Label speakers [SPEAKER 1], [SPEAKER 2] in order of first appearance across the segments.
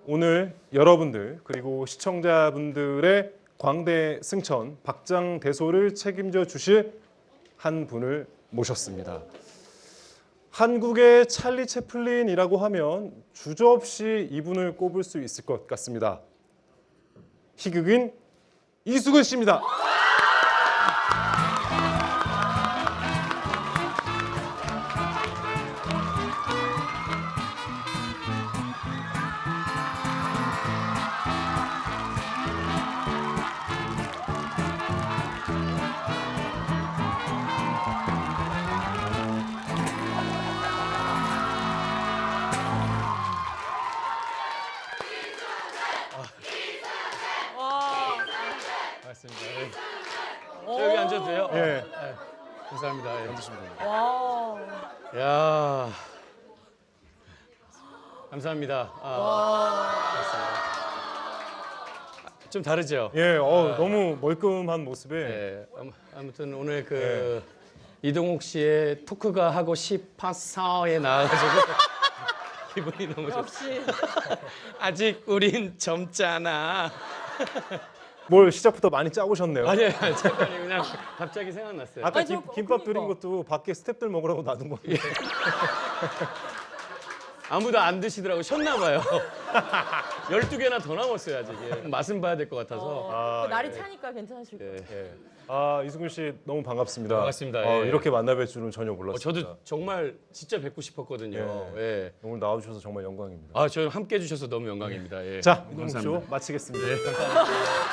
[SPEAKER 1] 오늘 여러분들 그리고 시청자분들의 광대 승천, 박장대소를 책임져 주실 한 분을 모셨습니다. 한국의 찰리 채플린이라고 하면 주저없이 이분을 꼽을 수 있을 것 같습니다. 희극인 이수근 씨입니다.
[SPEAKER 2] 맞습니다. 저 여기 앉아도 돼요?
[SPEAKER 1] 예.
[SPEAKER 2] 네. 감사합니다. 앉으시면 됩니다.
[SPEAKER 3] 와.
[SPEAKER 2] 야, 감사합니다. 좀 다르죠?
[SPEAKER 1] 예, 너무 멀끔한 모습에
[SPEAKER 2] 네. 아무튼 오늘 이동욱 씨의 토크가 하고 싶어서에 나와가지고 기분이 너무 좋습니다.
[SPEAKER 3] 역시.
[SPEAKER 2] 아직 우린 젊잖아.
[SPEAKER 1] 뭘 시작부터 많이 짜오셨네요.
[SPEAKER 2] 아니요, 잠깐 그냥 갑자기 생각났어요.
[SPEAKER 1] 아까
[SPEAKER 3] 아니,
[SPEAKER 1] 김밥
[SPEAKER 3] 그러니까.
[SPEAKER 1] 드린 것도 밖에 스탭들 먹으라고 놔둔 건데.
[SPEAKER 2] 아무도 안 드시더라고. 쉬었나 봐요. 12개나 더 남았어요, 아직. 예. 맛은 봐야 될 것 같아서.
[SPEAKER 3] 날이 차니까 괜찮으실 거예요.
[SPEAKER 2] 예.
[SPEAKER 1] 아, 이수근 씨 너무 반갑습니다.
[SPEAKER 2] 반갑습니다. 예.
[SPEAKER 1] 이렇게 만나뵐 줄은 전혀 몰랐습니다.
[SPEAKER 2] 저도 정말 진짜 뵙고 싶었거든요.
[SPEAKER 1] 예.
[SPEAKER 2] 예.
[SPEAKER 1] 오늘 나와주셔서 정말 영광입니다.
[SPEAKER 2] 아, 저 함께 해주셔서 너무 영광입니다. 예.
[SPEAKER 1] 자, 이동
[SPEAKER 2] 감사합니다.
[SPEAKER 1] 쇼 마치겠습니다.
[SPEAKER 2] 예, 감사합니다.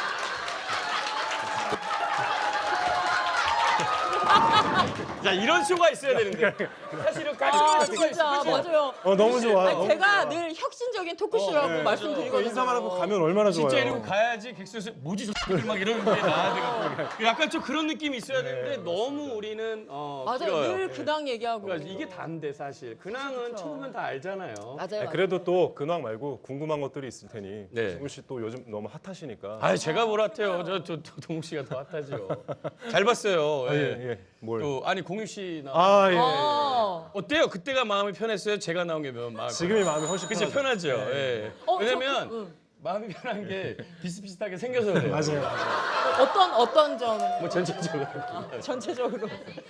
[SPEAKER 2] 자, 이런 쇼가 있어야 되는데 사실은 깔끔한 쇼가
[SPEAKER 3] 진짜
[SPEAKER 2] 있어요. 그죠?
[SPEAKER 3] 맞아요.
[SPEAKER 1] 너무 좋아.
[SPEAKER 3] 아니, 제가 늘 혁신적인 토크쇼라고 말씀드리거든요.
[SPEAKER 1] 인사만 하고 가면 얼마나 좋아요.
[SPEAKER 2] 진짜 이러고 가야지 객수에서 뭐지 저 X들 막 이러는 게 나야 되고 약간 좀 그런 느낌이 있어야 되는데 너무 우리는
[SPEAKER 3] 맞아요.
[SPEAKER 2] 길어요.
[SPEAKER 3] 늘 근황 얘기하고.
[SPEAKER 2] 그러니까 이게 다인데 사실 근황은 쳐보면 다 알잖아요.
[SPEAKER 3] 맞아요.
[SPEAKER 1] 그래도 또 근황 말고 궁금한 것들이 있을 테니
[SPEAKER 2] 네.
[SPEAKER 1] 이수근 씨 또 요즘 너무 핫하시니까.
[SPEAKER 2] 아, 제가 뭘 핫해요. 저 동욱 씨가 더 핫하죠. 잘 봤어요. 예.
[SPEAKER 1] 예. 뭘?
[SPEAKER 2] 또 아니 공유 씨 나.
[SPEAKER 1] 아, 예.
[SPEAKER 2] 어때요? 그때가 마음이 편했어요? 제가 나온 게 마음이
[SPEAKER 1] 지금이 마음이 훨씬
[SPEAKER 2] 그치 편하죠. 예. 왜냐면 마음이 편한 게 비슷비슷하게 생겨서 그래요.
[SPEAKER 1] 맞아요.
[SPEAKER 3] 어떤 점
[SPEAKER 2] 뭐 전체적으로.
[SPEAKER 3] 전체적으로.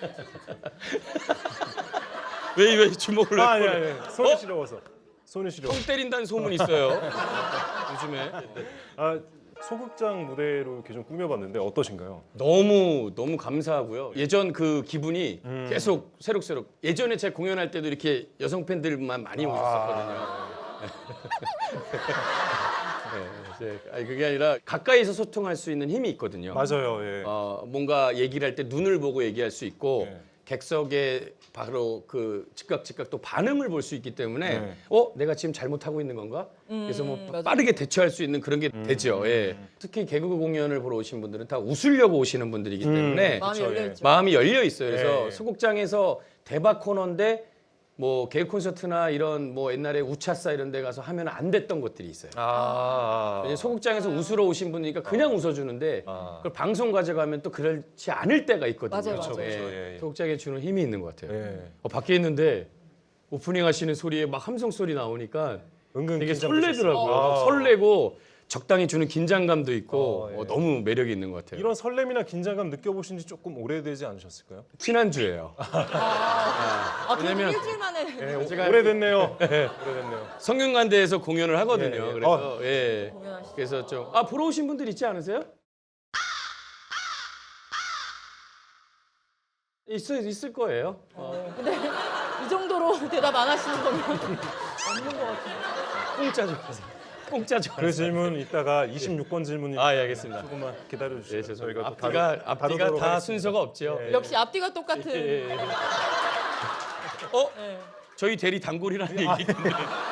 [SPEAKER 2] 왜 주먹을
[SPEAKER 1] 아,
[SPEAKER 2] 왜
[SPEAKER 1] 예. 손이 시려워서. 손이 시려워.
[SPEAKER 2] 똥 때린다는 소문이 있어요. 요즘에.
[SPEAKER 1] 아, 소극장 무대로 이렇게 좀 꾸며봤는데 어떠신가요?
[SPEAKER 2] 너무 감사하고요. 예전 그 기분이 계속 새록새록. 예전에 제가 공연할 때도 이렇게 여성 팬들만 많이 오셨었거든요. 아니 그게 아니라 가까이서 소통할 수 있는 힘이 있거든요.
[SPEAKER 1] 맞아요. 예.
[SPEAKER 2] 뭔가 얘기를 할 때 눈을 보고 얘기할 수 있고
[SPEAKER 1] 네.
[SPEAKER 2] 객석에 바로 그 즉각 또 반응을 볼 수 있기 때문에
[SPEAKER 1] 네.
[SPEAKER 2] 내가 지금 잘못하고 있는 건가? 그래서 뭐
[SPEAKER 3] 맞아요.
[SPEAKER 2] 빠르게 대처할 수 있는 그런 게 되죠. 예. 특히 개그 공연을 보러 오신 분들은 다 웃으려고 오시는 분들이기 때문에
[SPEAKER 3] 마음이
[SPEAKER 1] 그쵸,
[SPEAKER 3] 열려
[SPEAKER 1] 예.
[SPEAKER 3] 있죠.
[SPEAKER 2] 마음이 열려 있어요. 그래서
[SPEAKER 1] 네.
[SPEAKER 2] 소극장에서 대박 코너인데 뭐 개그 콘서트나 이런 뭐 옛날에 우차싸 이런 데 가서 하면 안 됐던 것들이 있어요. 왜냐면 소극장에서 웃으러 오신 분이니까 그냥 웃어주는데 그걸 방송 가져가면 또 그렇지 않을 때가 있거든요.
[SPEAKER 3] 맞아요,
[SPEAKER 1] 그렇죠,
[SPEAKER 3] 맞아요.
[SPEAKER 1] 그렇죠. 예.
[SPEAKER 2] 소극장에 주는 힘이 있는 것 같아요.
[SPEAKER 1] 예.
[SPEAKER 2] 밖에 있는데 오프닝 하시는 소리에 막 함성 소리 나오니까
[SPEAKER 1] 은근
[SPEAKER 2] 되게
[SPEAKER 1] 긴장되셨어요.
[SPEAKER 2] 설레더라고요.
[SPEAKER 1] 아.
[SPEAKER 2] 설레고 적당히 주는 긴장감도 있고
[SPEAKER 1] 예.
[SPEAKER 2] 너무 매력이 있는 것 같아요.
[SPEAKER 1] 이런 설렘이나 긴장감 느껴보신 지 조금 오래되지 않으셨을까요?
[SPEAKER 2] 지난주예요.
[SPEAKER 3] 그래도
[SPEAKER 2] 왜냐면-
[SPEAKER 3] 일주일 만에
[SPEAKER 1] 예,
[SPEAKER 2] 제가
[SPEAKER 1] 오래됐네요. 오래됐네요.
[SPEAKER 2] 성균관대에서 공연을 하거든요.
[SPEAKER 1] 예, 예.
[SPEAKER 2] 그래서
[SPEAKER 3] 공연하시죠.
[SPEAKER 2] 그래서 좀 보러 오신 분들 있지 않으세요? 있을 거예요.
[SPEAKER 3] 근데 이 정도로 대답 안 하시는 거면 없는 것 같아요.
[SPEAKER 2] 공짜 좀 하세요. 공짜 좀.
[SPEAKER 1] 그 질문 이따가 26번 질문이
[SPEAKER 2] 예, 알겠습니다.
[SPEAKER 1] 조금만 기다려 주시죠.
[SPEAKER 2] 예, 죄송합니다.
[SPEAKER 1] 또
[SPEAKER 2] 앞뒤가
[SPEAKER 1] 다루도록
[SPEAKER 2] 다
[SPEAKER 1] 하겠습니다.
[SPEAKER 2] 순서가 없죠.
[SPEAKER 1] 예.
[SPEAKER 3] 역시 앞뒤가 똑같은.
[SPEAKER 2] 예.
[SPEAKER 3] 네.
[SPEAKER 2] 저희 대리 단골이라는 얘기 있는데.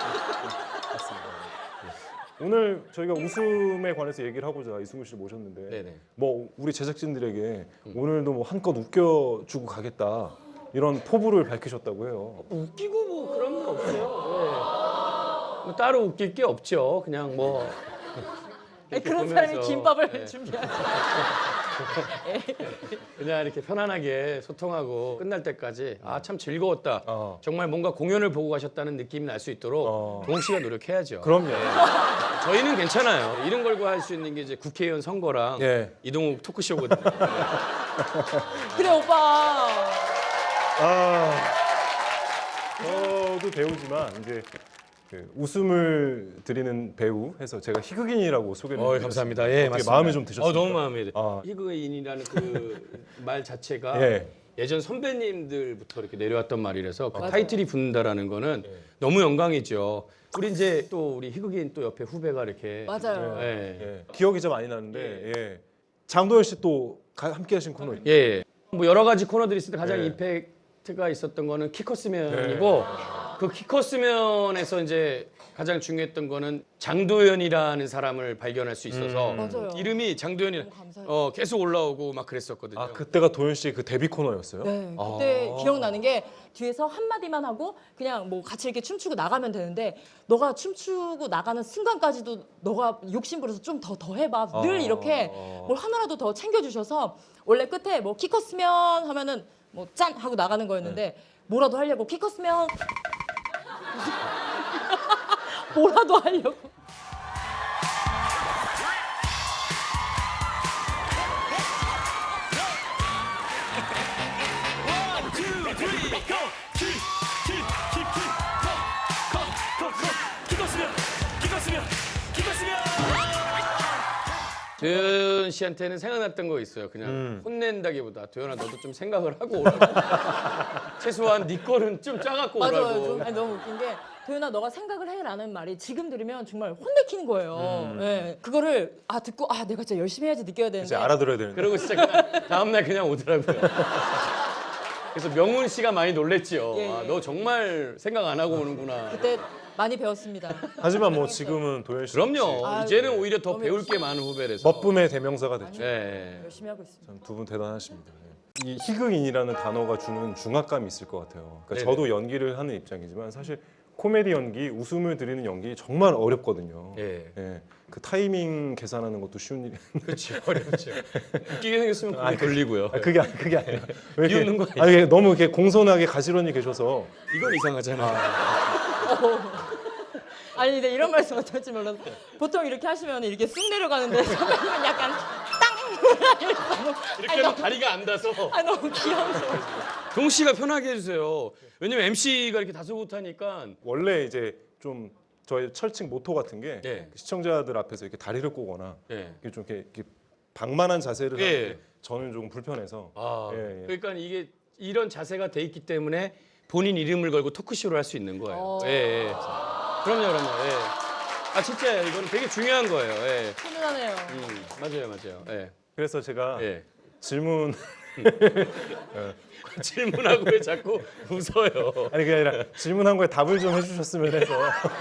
[SPEAKER 1] 오늘 저희가 웃음에 관해서 얘기를 하고자 이승우 씨를 모셨는데
[SPEAKER 2] 네네.
[SPEAKER 1] 뭐 우리 제작진들에게 오늘도 뭐 한껏 웃겨주고 가겠다 이런 포부를 밝히셨다고 해요.
[SPEAKER 2] 웃기고 뭐 그런 건 없어요. 뭐 따로 웃길 게 없죠. 그냥 뭐. 이렇게
[SPEAKER 3] 그런 사람이
[SPEAKER 2] 보면서,
[SPEAKER 3] 김밥을
[SPEAKER 2] 예.
[SPEAKER 3] 준비하죠.
[SPEAKER 2] 그냥 이렇게 편안하게 소통하고 끝날 때까지 참 즐거웠다.
[SPEAKER 1] 어.
[SPEAKER 2] 정말 뭔가 공연을 보고 가셨다는 느낌이 날 수 있도록 동욱 씨가 노력해야죠.
[SPEAKER 1] 그럼요.
[SPEAKER 2] 저희는 괜찮아요. 이런 걸고 할 수 있는 게 이제 국회의원 선거랑
[SPEAKER 1] 예.
[SPEAKER 2] 이동욱 토크쇼거든요.
[SPEAKER 3] 그래 오빠.
[SPEAKER 1] 저도 배우지만 이제 그 웃음을 드리는 배우 해서 제가 희극인이라고 소개를 해드렸습니다.
[SPEAKER 2] 감사합니다. 예,
[SPEAKER 1] 어떻게
[SPEAKER 2] 맞습니다.
[SPEAKER 1] 마음에 좀 드셨습니까?
[SPEAKER 2] 너무 마음에 들어요.
[SPEAKER 1] 아.
[SPEAKER 2] 희극인이라는 그 말 자체가
[SPEAKER 1] 예.
[SPEAKER 2] 예전 선배님들부터 이렇게 내려왔던 말이라서 그
[SPEAKER 3] 맞아요.
[SPEAKER 2] 타이틀이 붙는다라는 거는 너무 영광이죠. 우리 이제 또 우리 희극인 또 옆에 후배가 이렇게
[SPEAKER 3] 맞아요.
[SPEAKER 2] 예.
[SPEAKER 1] 예. 기억이 좀 많이 나는데 예. 장도연 씨 또 함께 하신 코너 있죠?
[SPEAKER 2] 예. 뭐 여러 가지 코너들이 있을 때 가장
[SPEAKER 1] 예.
[SPEAKER 2] 임팩트가 있었던 거는 키커스면이고 그 키커스면에서 이제 가장 중요했던 거는 장도연이라는 사람을 발견할 수 있어서
[SPEAKER 3] 맞아요.
[SPEAKER 2] 이름이 장도연이
[SPEAKER 3] 너무 감사해요.
[SPEAKER 2] 계속 올라오고 막 그랬었거든요.
[SPEAKER 1] 아 그때가 도연 씨의 그 데뷔 코너였어요?
[SPEAKER 3] 네,
[SPEAKER 1] 아.
[SPEAKER 3] 그때 기억나는 게 뒤에서 한마디만 하고 그냥 뭐 같이 이렇게 춤추고 나가면 되는데 너가 춤추고 나가는 순간까지도 너가 욕심부려서 좀 더 해봐. 늘 이렇게 뭘 하나라도 더 챙겨주셔서 원래 끝에 뭐 키 컸으면 하면은 뭐 짠 하고 나가는 거였는데 뭐라도 하려고 키 컸으면 뭐라도 하려고.
[SPEAKER 2] 도연 씨한테는 생각났던 거 있어요. 그냥 혼낸다기보다 도연아 너도 좀 생각을 하고 오라고. 최소한 네 거는 좀 짜갖고
[SPEAKER 3] 맞아요.
[SPEAKER 2] 오라고.
[SPEAKER 3] 좀, 아니, 너무 웃긴 게 도연아 너가 생각을 해라는 말이 지금 들으면 정말 혼내키는 거예요. 예, 그거를 듣고 내가 진짜 열심히 해야지 느껴야
[SPEAKER 1] 이제
[SPEAKER 3] 되는데
[SPEAKER 1] 알아들어야 되는데.
[SPEAKER 2] 그러고 진짜 그냥 다음날 그냥 오더라고요. 그래서 명훈 씨가 많이 놀랬지요.
[SPEAKER 3] 예, 예.
[SPEAKER 2] 아, 너 정말 생각 안 하고 오는구나.
[SPEAKER 3] 그때 많이 배웠습니다.
[SPEAKER 1] 하지만 뭐 지금은 도연 씨
[SPEAKER 2] 그럼요.
[SPEAKER 3] 아,
[SPEAKER 2] 이제는 오히려 더
[SPEAKER 3] 너무
[SPEAKER 2] 배울 게 많은 후배라서.
[SPEAKER 1] 멋붐의 대명사가 됐죠.
[SPEAKER 2] 예.
[SPEAKER 3] 열심히 하고 있습니다.
[SPEAKER 1] 두 분 대단하십니다. 예. 이 희극인이라는 단어가 주는 중압감이 있을 것 같아요. 그러니까
[SPEAKER 2] 네네.
[SPEAKER 1] 저도 연기를 하는 입장이지만 사실 코미디 연기, 웃음을 드리는 연기 정말 어렵거든요.
[SPEAKER 2] 예.
[SPEAKER 1] 예. 그 타이밍 계산하는 것도 쉬운 일이.
[SPEAKER 2] 그렇죠. 어렵죠. 웃기게 생겼으면 그게 걸리고요.
[SPEAKER 1] 그게 아니라 왜 이렇게-
[SPEAKER 2] 비웃는 거 아니죠?
[SPEAKER 1] 아니, 너무 이렇게 공손하게 가지런히 계셔서
[SPEAKER 2] 이건 이상하잖아.
[SPEAKER 3] 아니 근데 이런 말씀 어떨지 몰라서 보통 이렇게 하시면 이렇게 쑥 내려가는데 선배님은 약간 땅
[SPEAKER 2] 이렇게 하면 다리가 안 닿아서.
[SPEAKER 3] 너무 귀여워서.
[SPEAKER 2] 동 씨가 편하게 해주세요. 왜냐면 MC가 이렇게 다소곳하니까.
[SPEAKER 1] 원래 이제 좀 저희 철칙 모토 같은 게
[SPEAKER 2] 예.
[SPEAKER 1] 시청자들 앞에서 이렇게 다리를 꼬거나
[SPEAKER 2] 예.
[SPEAKER 1] 이렇게 좀 이렇게 방만한 자세를
[SPEAKER 2] 예.
[SPEAKER 1] 하는데 저는 조금 불편해서
[SPEAKER 2] 아,
[SPEAKER 1] 예, 예.
[SPEAKER 2] 그러니까 이게 이런 자세가 돼 있기 때문에 본인 이름을 걸고 토크쇼를 할 수 있는 거예요. 예, 예. 그럼요. 예. 아 진짜 이거는 되게 중요한 거예요. 예.
[SPEAKER 3] 훈훈하네요.
[SPEAKER 2] 맞아요. 예.
[SPEAKER 1] 그래서 제가
[SPEAKER 2] 예.
[SPEAKER 1] 질문
[SPEAKER 2] 질문하고 왜 자꾸 웃어요?
[SPEAKER 1] 아니 그게 아니라 질문한 거에 답을 좀 해주셨으면 해서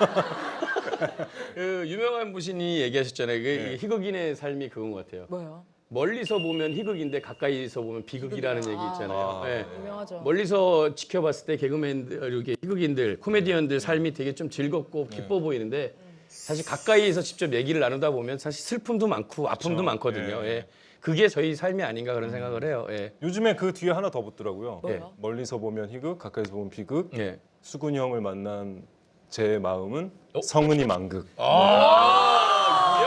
[SPEAKER 2] 그 유명한 분이 얘기하셨잖아요. 그
[SPEAKER 1] 네.
[SPEAKER 2] 희극인의 삶이 그건 것 같아요.
[SPEAKER 3] 뭐요?
[SPEAKER 2] 멀리서 보면 희극인데 가까이서 보면 비극이라는 얘기 있잖아요.
[SPEAKER 1] 아,
[SPEAKER 2] 예.
[SPEAKER 3] 유명하죠.
[SPEAKER 2] 멀리서 지켜봤을 때 개그맨들, 이렇게 희극인들, 코미디언들 삶이 되게 좀 즐겁고 기뻐 보이는데 사실 가까이에서 직접 얘기를 나누다 보면 사실 슬픔도 많고 아픔도 많거든요.
[SPEAKER 1] 예.
[SPEAKER 2] 예. 그게 저희 삶이 아닌가 그런 생각을 해요. 예.
[SPEAKER 1] 요즘에 그 뒤에 하나 더 붙더라고요.
[SPEAKER 3] 뭐요?
[SPEAKER 1] 멀리서 보면 희극, 가까이서 보면 비극.
[SPEAKER 2] 예.
[SPEAKER 1] 수근이 형을 만난 제 마음은
[SPEAKER 2] 어?
[SPEAKER 1] 성은이 만극.
[SPEAKER 2] 와우!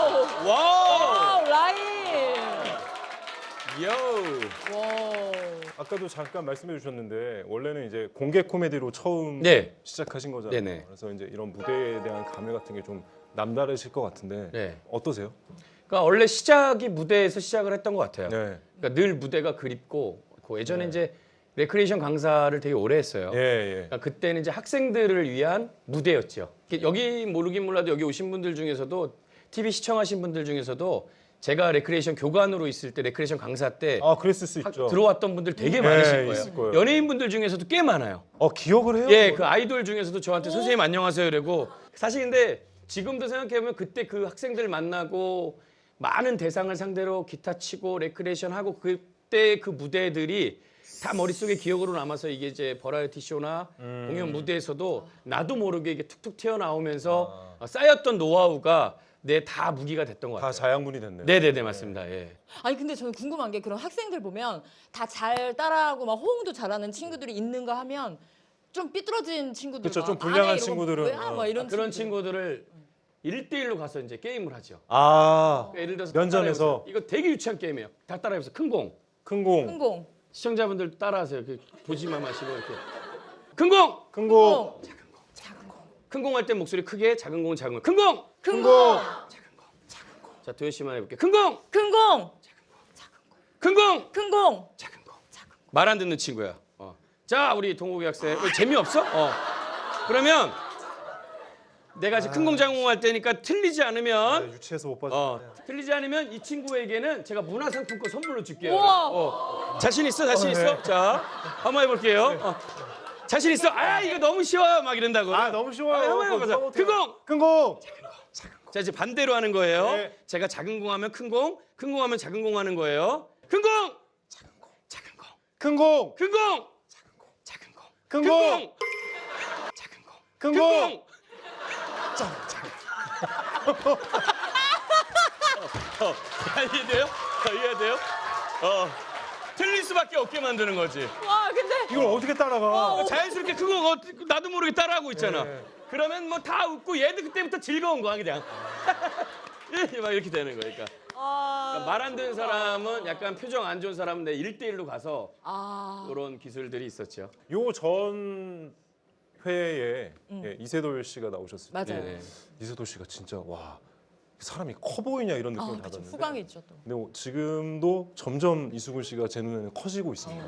[SPEAKER 3] 라인.
[SPEAKER 2] 요!
[SPEAKER 3] 와.
[SPEAKER 1] 아까도 잠깐 말씀해 주셨는데 원래는 이제 공개 코미디로 처음
[SPEAKER 2] 네.
[SPEAKER 1] 시작하신 거잖아요.
[SPEAKER 2] 네네.
[SPEAKER 1] 그래서 이제 이런 무대에 대한 감회 같은 게 좀 남다르실 것 같은데
[SPEAKER 2] 네.
[SPEAKER 1] 어떠세요?
[SPEAKER 2] 그러니까 원래 시작이 무대에서 시작을 했던 것 같아요.
[SPEAKER 1] 네.
[SPEAKER 2] 그러니까 늘 무대가 그립고 그 예전에 이제 레크레이션 강사를 되게 오래 했어요.
[SPEAKER 1] 예, 예.
[SPEAKER 2] 그러니까 그때는 이제 학생들을 위한 무대였죠. 여기 모르긴 몰라도 여기 오신 분들 중에서도 TV 시청하신 분들 중에서도 제가 레크레이션 교관으로 있을 때 레크레이션 강사 때
[SPEAKER 1] 아, 그랬을 수 있죠.
[SPEAKER 2] 들어왔던 분들 되게
[SPEAKER 1] 네,
[SPEAKER 2] 많으실
[SPEAKER 1] 있을
[SPEAKER 2] 거예요.
[SPEAKER 1] 거예요.
[SPEAKER 2] 연예인 분들 중에서도 꽤 많아요.
[SPEAKER 1] 기억을 해요?
[SPEAKER 2] 예, 그 아이돌 중에서도 저한테 선생님 안녕하세요 이러고 사실 근데 지금도 생각해보면 그때 그 학생들 만나고 많은 대상을 상대로 기타 치고 레크레이션 하고 그때 그 무대들이 다 머릿속에 기억으로 남아서 이게 이제 버라이어티 쇼나 공연 무대에서도 나도 모르게 이게 툭툭 튀어나오면서 쌓였던 노하우가 내 다 무기가 됐던 것
[SPEAKER 1] 다
[SPEAKER 2] 같아요.
[SPEAKER 1] 자양분이 됐네요.
[SPEAKER 2] 네네네 맞습니다. 예.
[SPEAKER 3] 아니 근데 저는 궁금한 게 그런 학생들 보면 다 잘 따라하고 막 호응도 잘하는 친구들이 있는가 하면 좀 삐뚤어진 친구들
[SPEAKER 1] 그쵸, 좀
[SPEAKER 3] 막
[SPEAKER 1] 불량한
[SPEAKER 3] 안 해, 이러고
[SPEAKER 1] 친구들은,
[SPEAKER 3] 뭐야? 막 이런
[SPEAKER 2] 그런
[SPEAKER 3] 친구들.
[SPEAKER 2] 친구들을 1대1로 가서 이제 게임을 하죠.
[SPEAKER 1] 아,
[SPEAKER 2] 예를 들어서
[SPEAKER 1] 면전에서.
[SPEAKER 2] 따라해보세요. 이거 되게 유치한 게임이에요. 다 따라해보세요. 큰 공.
[SPEAKER 1] 큰 공,
[SPEAKER 3] 흥공.
[SPEAKER 2] 시청자분들 따라하세요. 이렇게 보지만 마시고 이렇게. 큰 공.
[SPEAKER 1] 큰 공,
[SPEAKER 3] 작은 공.
[SPEAKER 2] 큰 공 할 때 목소리 크게, 작은 공 작은 공. 큰 공.
[SPEAKER 3] 큰
[SPEAKER 1] 공.
[SPEAKER 3] 공.
[SPEAKER 2] 자, 도현 씨만 해볼게요. 큰 공.
[SPEAKER 3] 큰 공.
[SPEAKER 2] 큰 공.
[SPEAKER 3] 큰 공.
[SPEAKER 2] 작은 공. 말 안 듣는 친구야. 자, 우리 동국이 학생. 재미없어? 그러면 내가 지금 큰 공 작은 공 할 때니까 틀리지 않으면
[SPEAKER 1] 유치해서 못 봤어.
[SPEAKER 2] 틀리지 않으면 이 친구에게는 제가 문화상품권 선물로 줄게요.
[SPEAKER 3] 우와.
[SPEAKER 2] 자신 있어? 자신 있어? 자, 한번 해볼게요. 자신 있어? 아, 이거 너무 쉬워요. 막 이런다고.
[SPEAKER 1] 아, 너무 쉬워요.
[SPEAKER 2] 한번 해보자. 큰 공.
[SPEAKER 1] 큰 공,
[SPEAKER 2] 자, 이제 반대로 하는 거예요.
[SPEAKER 1] 네.
[SPEAKER 2] 제가 작은 공 하면 큰 공, 큰 공 하면 작은 공 하는 거예요. 큰 공. 작은 공. 작은 공.
[SPEAKER 1] 큰 공,
[SPEAKER 2] 큰 공. 작은 공.
[SPEAKER 1] 큰
[SPEAKER 2] 큰
[SPEAKER 1] 공,
[SPEAKER 2] 공. 작은 공.
[SPEAKER 1] 큰
[SPEAKER 2] 큰
[SPEAKER 1] 공.
[SPEAKER 2] 공. 이해돼요? 이해돼요? 틀릴 수밖에 없게 만드는 거지.
[SPEAKER 3] 와 근데
[SPEAKER 1] 이걸 어떻게 따라가?
[SPEAKER 2] 자연스럽게 그거 나도 모르게 따라하고 있잖아.
[SPEAKER 1] 네.
[SPEAKER 2] 그러면 뭐 다 웃고 얘도 그때부터 즐거운 거야 그냥. 막 이렇게 되는 거니까. 말 안 되는 사람은 약간 표정 안 좋은 사람은 내 1대1로 가서 그런 기술들이 있었죠.
[SPEAKER 1] 요 전 회에 예, 이세돌 씨가 나오셨을 때
[SPEAKER 3] 맞아요.
[SPEAKER 2] 네.
[SPEAKER 1] 이세돌 씨가 진짜 와 사람이 커 보이냐 이런 느낌을
[SPEAKER 3] 그쵸.
[SPEAKER 1] 받았는데
[SPEAKER 3] 후광이 있죠 또.
[SPEAKER 1] 근데 지금도 점점 이수근 씨가 제 눈에는 커지고 있습니다.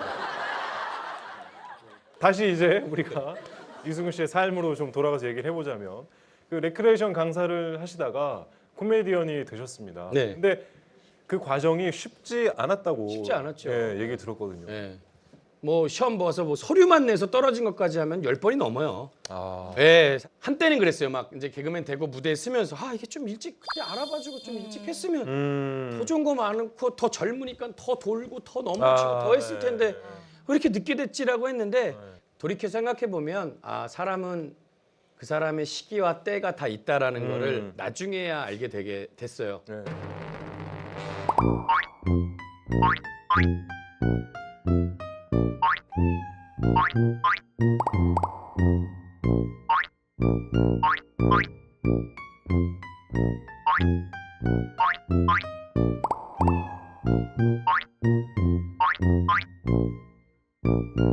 [SPEAKER 1] 다시 이제 우리가 이수근 씨의 삶으로 좀 돌아가서 얘기를 해보자면 그 레크레이션 강사를 하시다가 코미디언이 되셨습니다.
[SPEAKER 2] 네.
[SPEAKER 1] 근데 그 과정이 쉽지 않았다고
[SPEAKER 2] 쉽지 않았죠.
[SPEAKER 1] 예, 얘기 들었거든요.
[SPEAKER 2] 예. 뭐 시험 봐서 뭐 서류만 내서 떨어진 것까지 하면 10번이 넘어요.
[SPEAKER 1] 아,
[SPEAKER 2] 예. 한때는 그랬어요. 막 이제 개그맨 되고 무대에 서면서 이게 좀 일찍 그때 알아봐주고 좀 일찍 했으면 더 좋은 거 많고 더 젊으니까 더 돌고 더 넘어지고 더 했을 텐데 왜 이렇게 늦게 됐지라고 했는데 돌이켜 생각해 보면 사람은 그 사람의 시기와 때가 다 있다라는 거를 나중에야 알게 되게 됐어요.
[SPEAKER 1] 네.